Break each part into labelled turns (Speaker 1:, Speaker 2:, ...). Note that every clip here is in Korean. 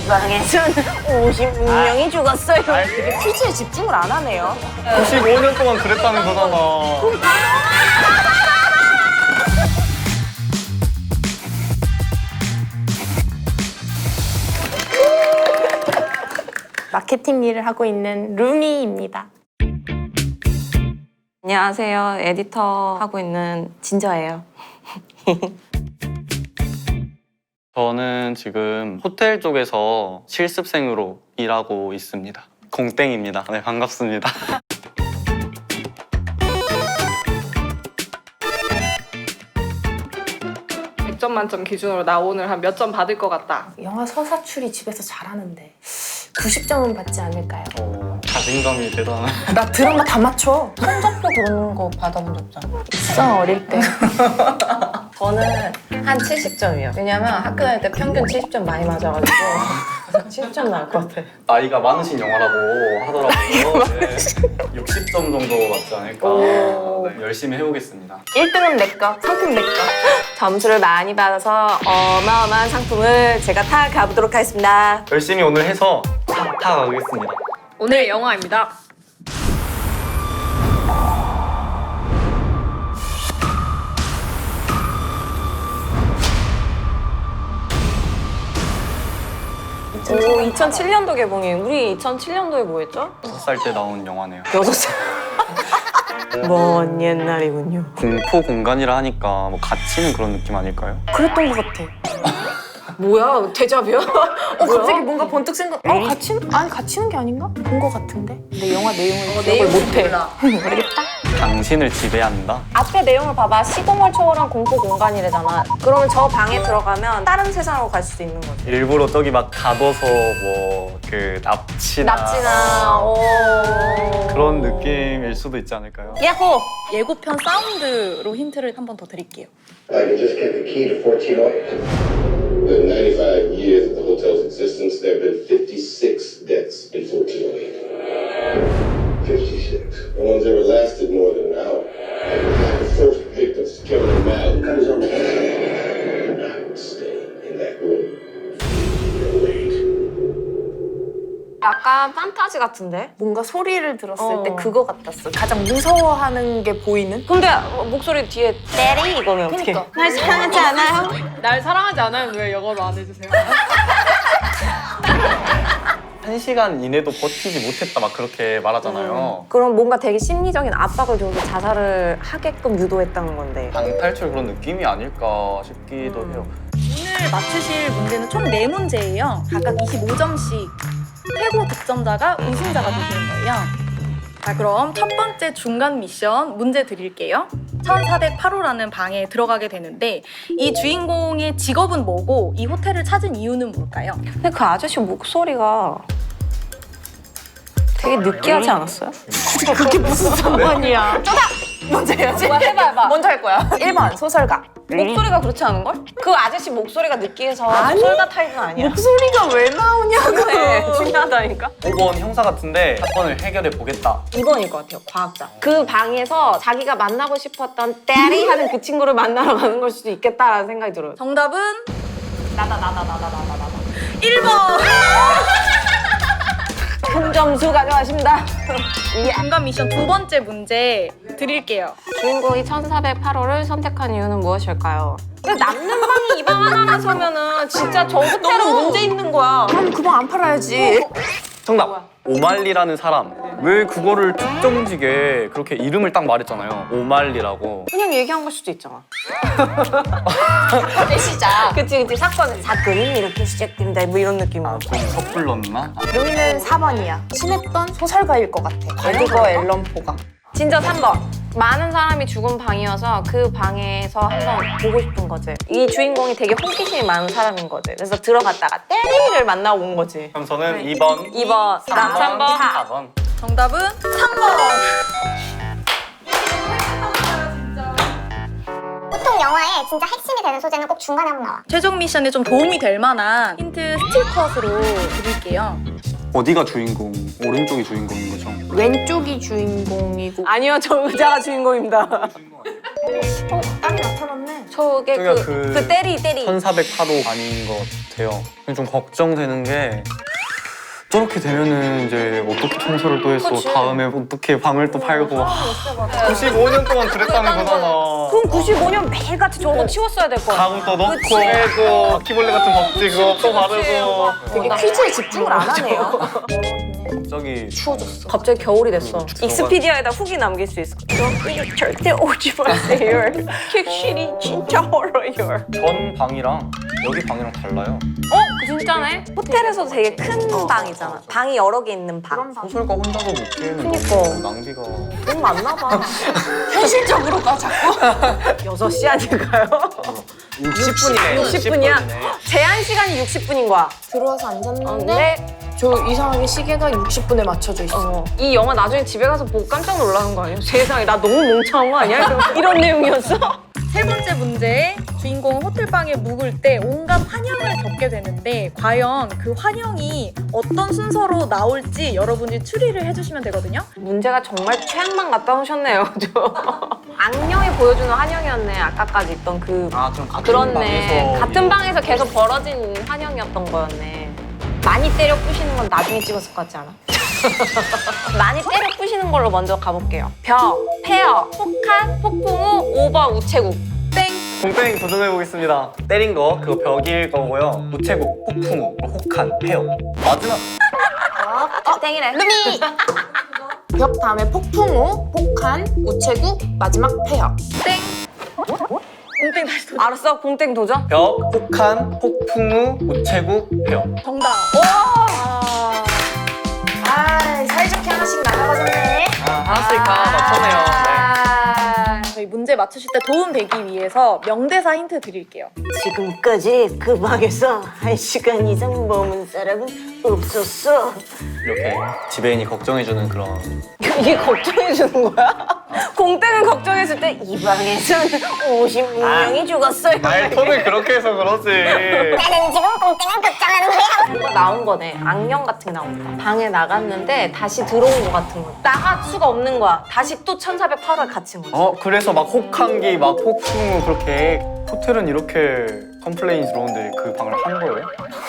Speaker 1: 지방에선 56명이 죽었어요.
Speaker 2: 되게 퀴즈에 집중을 안 하네요.
Speaker 3: 95년 동안 그랬다는 거잖아.
Speaker 2: 마케팅 일을 하고 있는 루미입니다.
Speaker 4: 안녕하세요. 에디터 하고 있는 진저예요.
Speaker 3: 저는 지금 호텔 쪽에서 실습생으로 일하고 있습니다. 공땡입니다. 네, 반갑습니다.
Speaker 5: 100점 만점 기준으로 나 오늘 한 몇 점 받을 것 같다.
Speaker 2: 영화 서사출이 집에서 잘하는데 90점은 받지 않을까요?
Speaker 3: 자신감이 대단한.
Speaker 2: 나 드라마 다 맞춰.
Speaker 4: 성적표 그런 거 받아본 적 없잖아.
Speaker 2: 있어, 어릴 때.
Speaker 4: 저는 한 70점이요. 왜냐면 학교 다닐 때 평균 70점 많이 맞아가지고 70점 나올 것 같아요.
Speaker 3: 나이가 많으신 영화라고 하더라고요. 네. 60점 정도 맞지 않을까. 네, 열심히 해보겠습니다.
Speaker 2: 1등은 내 거, 상품 내 거.
Speaker 4: 점수를 많이 받아서 어마어마한 상품을 제가 타 가보도록 하겠습니다.
Speaker 3: 열심히 오늘 해서 다 가겠습니다.
Speaker 5: 오늘 영화입니다.
Speaker 4: 오, 2007년도 개봉이에요. 우리 2007년도에 뭐 했죠?
Speaker 3: 6살 때 나온 영화네요.
Speaker 4: 6살. 먼 옛날이군요.
Speaker 3: 공포 공간이라 하니까 뭐 갇히는 그런 느낌 아닐까요?
Speaker 2: 그랬던 것 같아.
Speaker 4: 뭐야? 대자뷰야?
Speaker 2: 갑자기 뭔가 번뜩 생각. 갇히는? 아니, 갇히는 게 아닌가? 본 것 같은데. 근데 영화 내용을 기억을 못해. 모르겠다.
Speaker 3: 당신을 지배한다?
Speaker 4: 앞에 내용을 봐봐. 시공을 초월한 공포 공간이래잖아. 그러면 저 방에 들어가면 다른 세상으로 갈 수도 있는 거지.
Speaker 3: 일부러 저기 막 가둬서 뭐 그 납치나 그런 느낌일 수도 있지 않을까요?
Speaker 4: 야호!
Speaker 6: 예고편 사운드로 힌트를 한 번 더 드릴게요.
Speaker 7: I can just get the key to 1408. In 95 years of the hotel's existence, there have been 56 deaths in 1408. 56. No one's ever lasted more than an hour. The first victims, Kevin O'Malley, cut his own head. I would stay in that room. Wait.
Speaker 4: 약간 판타지 같은데?
Speaker 2: 뭔가 소리를 들었을 때 그거 같았어. 가장 무서워하는 게 보이는?
Speaker 4: 근데 목소리 뒤에 때리 이거면 어떻게?
Speaker 2: 그러니까.
Speaker 4: 날 사랑하지 않아요?
Speaker 5: 날 사랑하지 않아요? 왜 영어로 안 해주세요?
Speaker 3: 1시간 이내도 버티지 못했다 막 그렇게 말하잖아요.
Speaker 4: 그럼 뭔가 되게 심리적인 압박을 줘서 자살을 하게끔 유도했다는 건데.
Speaker 3: 방탈출 그런 느낌이 아닐까 싶기도 해요.
Speaker 6: 오늘 맞추실 문제는 총 4문제예요. 각각 25점씩. 최고 득점자가 우승자가 되시는 거예요. 자, 그럼 첫 번째 중간 미션 문제 드릴게요. 1408호라는 방에 들어가게 되는데 이 주인공의 직업은 뭐고 이 호텔을 찾은 이유는 뭘까요?
Speaker 4: 근데 그 아저씨 목소리가 되게 느끼하지 않았어요?
Speaker 2: 그게 무슨 상관이야. 먼저 해야지.
Speaker 4: 뭐야, 해봐.
Speaker 2: 먼저 할 거야. 1번, 소설가.
Speaker 4: 목소리가 그렇지 않은걸? 그 아저씨 목소리가 느끼해서 소설가 타입은 아니야.
Speaker 2: 목소리가 왜 나오냐고.
Speaker 4: 그래, 중요하다니까?
Speaker 3: 5번 형사 같은데 사건을 해결해 보겠다.
Speaker 4: 2번일 것 같아요, 과학자. 그 방에서 자기가 만나고 싶었던 때리 하는 그 친구를 만나러 가는 걸 수도 있겠다라는 생각이 들어요.
Speaker 6: 정답은 나다. 1번!
Speaker 4: 큰 점수 가져가십니다.
Speaker 6: 중간 미션 두 번째 문제 드릴게요.
Speaker 4: 주인공이 1408호를 선택한 이유는 무엇일까요? 근데 남는 방이 이 방 하나라서면은 진짜 저 호텔은 문제 있는 거야.
Speaker 2: 그럼 그 방 안 팔아야지.
Speaker 3: 정답! 오말리라는 사람. 왜 그거를 특정지게 그렇게 이름을 딱 말했잖아요. 오말리라고.
Speaker 4: 그냥 얘기한 걸 수도 있잖아.
Speaker 2: 시작.
Speaker 4: 그치. 사건이 이렇게 시작된다 뭐 이런 느낌.
Speaker 3: 아, 좀 섣불렀나?
Speaker 2: 루미는 4번이야. 친했던 소설가일 것 같아. 에드거 앨런 포가.
Speaker 4: 진짜 3번. 많은 사람이 죽은 방이어서 그 방에서 한번 보고 싶은 거지. 이 주인공이 되게 호기심이 많은 사람인 거지. 그래서 들어갔다가 때리를 만나고 온 거지.
Speaker 3: 그럼 저는 2번,
Speaker 4: 2번, 3번.
Speaker 3: 4번.
Speaker 6: 정답은 3번!
Speaker 8: 보통 영화에 진짜 핵심이 되는 소재는 꼭 중간에 한번 나와.
Speaker 6: 최종 미션에 좀 도움이 될 만한 힌트 스틸컷으로 드릴게요.
Speaker 3: 어디가 주인공? 오른쪽이 주인공인 거죠?
Speaker 2: 왼쪽이 주인공이고.
Speaker 4: 아니요, 저 의자가 주인공입니다.
Speaker 2: 딸이 나타났네.
Speaker 4: 저게
Speaker 3: 저기가
Speaker 4: 그 때리
Speaker 3: 1408호 아닌 것 같아요. 좀 걱정되는 게 저렇게 되면은 이제 어떻게 청소를 또 했어? 다음에 어떻게 방을 또 팔고 95년 동안 그랬다는 거잖아.
Speaker 4: 그럼 95년 매일같이 저거 치웠어야 될 거야.
Speaker 3: 방 또 넣고 빼고 바퀴벌레 같은 법지 그거 또 바르고.
Speaker 2: 되게 퀴즈에 집중을 안 하네요.
Speaker 3: 갑자기
Speaker 2: 추워졌어.
Speaker 4: 갑자기 겨울이 됐어.
Speaker 3: 들어가.
Speaker 4: 익스피디아에다 후기 남길 수 있어. 여기 절대 오지 마세요. 객실이 진짜 멀어요.
Speaker 3: 전 방이랑 여기 방이랑 달라요.
Speaker 4: 진짜네? 호텔에서도 되게 큰 방이잖아. 방이 여러 개 있는 방.
Speaker 3: 소설가 혼자서 먹기에는
Speaker 4: 그니까.
Speaker 3: 너무 낭비가.
Speaker 4: 돈 많나 봐.
Speaker 2: 현실적으로 가 자꾸.
Speaker 4: 6시 아닐까요?
Speaker 3: 60분이네.
Speaker 4: 60분이야? 제한 시간이 60분인 거야.
Speaker 2: 들어와서 앉았는데
Speaker 4: 근데
Speaker 2: 저 이상하게 시계가 60분에 맞춰져 있어.
Speaker 4: 이 영화 나중에 집에 가서 보고 깜짝 놀라는 거 아니야? 세상에 나 너무 멍청한 거 아니야? 이런 내용이었어?
Speaker 6: 세 번째 문제, 주인공은 호텔방에 묵을 때 온갖 환영을 겪게 되는데 과연 그 환영이 어떤 순서로 나올지 여러분이 추리를 해주시면 되거든요.
Speaker 4: 문제가 정말 최악만 갖다 오셨네요. 악령이 보여주는 환영이었네. 아까까지 있던 그
Speaker 3: 아 그럼 같은
Speaker 4: 그렇네.
Speaker 3: 방에서
Speaker 4: 같은 방에서 계속 벌어진 환영이었던 거였네. 많이 때려 부시는 건 나중에 찍었을 것 같지 않아? 많이 때려 부시는 걸로 먼저 가볼게요. 벽, 폐허, 폭탄, 폭풍우, 오버, 우체국.
Speaker 3: 공땡 도전해 보겠습니다. 때린 거 그거 벽일 거고요. 우체국, 폭풍, 혹한, 폐허. 마지막
Speaker 4: 땡이래.
Speaker 2: 루미! 벽 다음에 폭풍우, 폭한, 우체국, 마지막 폐허.
Speaker 6: 공땡 다시 도전.
Speaker 4: 알았어, 공땡 도전.
Speaker 3: 벽, 혹한, 폭풍우, 우체국, 폐허.
Speaker 6: 정답.
Speaker 2: 아, 사이좋게 하나씩 나가봤네.
Speaker 3: 알았으니까 맞췄네요. 네.
Speaker 6: 저희 문제 맞추실 때 도움 되기 위해서 명대사 힌트 드릴게요.
Speaker 1: 지금까지 그 방에서 1시간 이상 머문 사람은 없었어.
Speaker 3: 이렇게 지배인이 걱정해주는 그런.
Speaker 1: 이게 걱정해주는 거야? 공땡은 걱정했을 때 이 방에선 56명이 죽었어요.
Speaker 3: 말톤을 그렇게 해서 그러지.
Speaker 8: 나는 지금 꽁땡을 걱정하는 거야.
Speaker 4: 뭔가 나온 거네. 악령 같은 게 나온다. 방에 나갔는데 다시 들어온 거 같은 거. 나갈 수가 없는 거야. 다시 또 1408호에 갇힌 거지.
Speaker 3: 그래서 막 혹한기, 막 폭풍우 그렇게 호텔은 이렇게 컴플레인이 들어오는데 그 방을 한 거예요?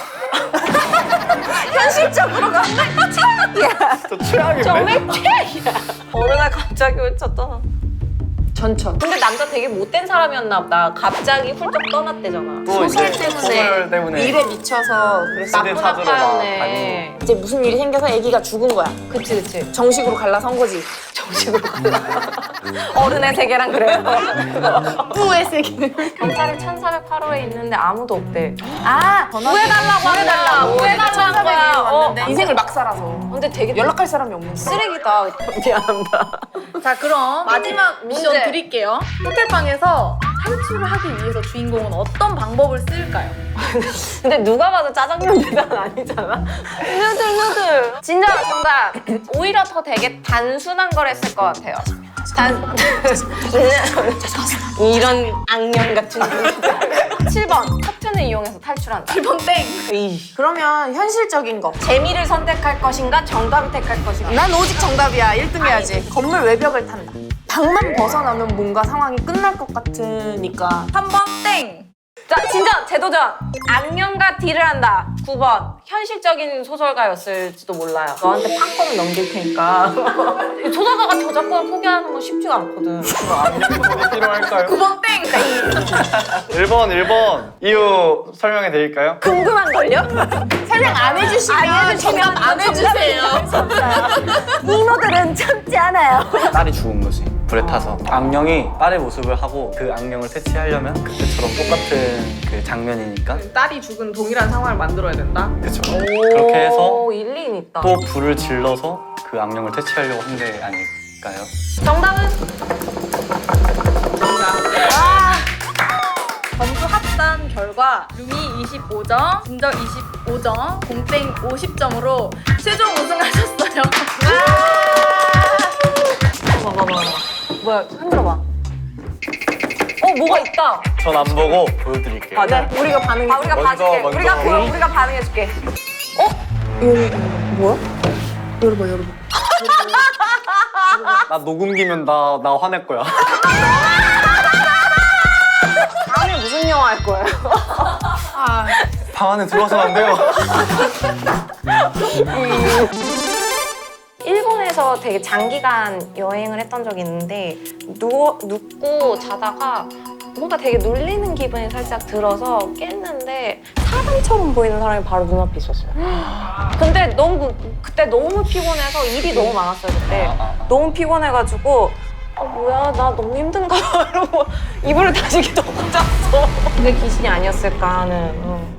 Speaker 4: 현실적으로 가면 최악이야.
Speaker 3: 진짜 최악인데?
Speaker 4: 정말 최악이야. 어느 날 갑자기 외쳤잖아.
Speaker 2: 전천.
Speaker 4: 근데 남자 되게 못된 사람이었나 보다. 갑자기 훌쩍 떠났대잖아.
Speaker 3: 또 이제
Speaker 2: 소설 때문에 일에 미쳐서 그랬어.
Speaker 3: 시대
Speaker 4: 나쁜
Speaker 3: 찾으러 막
Speaker 4: 아빠였네.
Speaker 3: 다니고.
Speaker 2: 이제 무슨 일이 생겨서 아기가 죽은 거야.
Speaker 4: 그치.
Speaker 2: 정식으로 갈라선 거지.
Speaker 4: 정식으로 갈라. 어른의 세계랑 그래요.
Speaker 2: 뿌의 세계는.
Speaker 4: 경찰이 1408호에 있는데 아무도 없대.
Speaker 2: 구해달라고
Speaker 4: 구해달라는 거야.
Speaker 2: 인생을 막 살아서.
Speaker 4: 근데 되게
Speaker 2: 연락할 사람이 없는
Speaker 4: 쓰레기다. 미안하다.
Speaker 6: 자, 그럼 마지막 미션
Speaker 4: 문제.
Speaker 6: 드릴게요. 호텔방에서 탈출을 하기 위해서 주인공은 어떤 방법을 쓸까요?
Speaker 4: 근데 누가 봐도 짜장면 배달 아니잖아. 누들. 진짜 정답. 오히려 더 되게 단순한 걸 했을 것 같아요. 이런 악령 같은 분들. 7번 커튼을 이용해서 탈출한다.
Speaker 6: 1번 땡!
Speaker 2: 그러면 현실적인 거.
Speaker 4: 재미를 선택할 것인가 정답을 택할 것인가.
Speaker 2: 난 오직 정답이야. 1등 해야지. 건물 외벽을 탄다. 방만 벗어나면 뭔가 상황이 끝날 것 같으니까.
Speaker 6: 3번 땡!
Speaker 4: 자, 진짜 재도전. 악령과 딜을 한다. 9번. 현실적인 소설가였을지도 몰라요. 너한테 판권을 넘길 테니까. 소설가가 저작권을 포기하는 건 쉽지가 않거든.
Speaker 3: 악령이 필요할까요?
Speaker 6: 9번 땡!
Speaker 3: 1번 이유 설명해 드릴까요?
Speaker 4: 궁금한걸요?
Speaker 2: 설명 안 해주시면 정답 안 해주세요.
Speaker 1: 이모들은 참지 않아요.
Speaker 3: 딸이 죽은 거지. 불에 타서 악령이 딸의 모습을 하고 그 악령을 퇴치하려면 그때처럼 똑같은 그 장면이니까
Speaker 5: 딸이 죽은 동일한 상황을 만들어야 된다.
Speaker 3: 그쵸. 그렇게 해서
Speaker 4: 오, 일리는 있다.
Speaker 3: 또 불을 질러서 그 악령을 퇴치하려고 한 게 아닐까요?
Speaker 4: 정답은?
Speaker 6: 점수 합산 결과 루미 25점, 진저 25점, 공땡 50점으로 최종 우승하셨어요.
Speaker 4: 봐봐. 뭐야, 흔들어봐. 뭐가 있다.
Speaker 3: 전 안 보고 보여드릴게요.
Speaker 4: 네. 우리가 반응해. 우리가
Speaker 3: 먼저,
Speaker 4: 봐줄게.
Speaker 3: 먼저.
Speaker 4: 우리가 반응해줄게.
Speaker 3: 나 녹음기면 나 화낼 거야.
Speaker 1: 영화 할 거예요.
Speaker 3: 방 안에 들어와서는 안 돼요.
Speaker 4: 일본에서 되게 장기간 여행을 했던 적이 있는데 눕고 자다가 뭔가 되게 놀리는 기분이 살짝 들어서 깼는데 사람처럼 보이는 사람이 바로 눈앞에 있었어요. 근데 그때 너무 피곤해서 일이 너무 많았어요. 그때 너무 피곤해가지고 뭐야 나 너무 힘든가 봐 이러고 이불을 다시 덮고 잤어. 그게 귀신이 아니었을까 하는